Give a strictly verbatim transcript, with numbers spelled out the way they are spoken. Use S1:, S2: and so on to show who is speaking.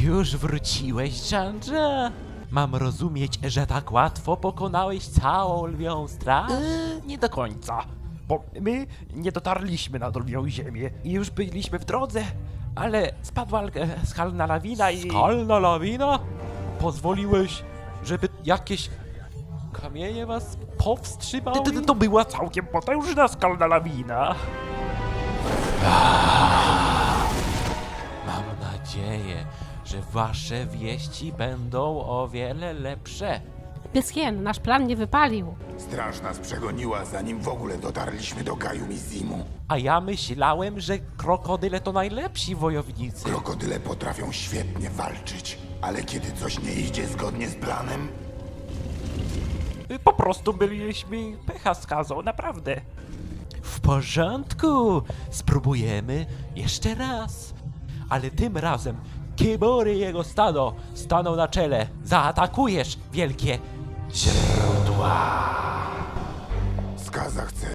S1: Już wróciłeś, Jandrze? Mam rozumieć, że tak łatwo pokonałeś całą lwią straż?
S2: Yy, nie do końca, bo my nie dotarliśmy na lwią ziemię i już byliśmy w drodze, ale spadła e, skalna lawina i...
S1: Skalna lawina? Pozwoliłeś, żeby jakieś kamienie was powstrzymały?
S2: To, to, to była całkiem potężna skalna lawina.
S1: Mam nadzieję, że wasze wieści będą o wiele lepsze.
S3: Pyskien, nasz plan nie wypalił.
S4: Straż nas przegoniła, zanim w ogóle dotarliśmy do Gaju Mizimu.
S1: A ja myślałem, że krokodyle to najlepsi wojownicy.
S4: Krokodyle potrafią świetnie walczyć, ale kiedy coś nie idzie zgodnie z planem,
S2: Po prostu byliśmy pecha skazą, naprawdę.
S1: W porządku, spróbujemy jeszcze raz. Ale tym razem Kibory i jego stado staną na czele. Zaatakujesz wielkie źródła.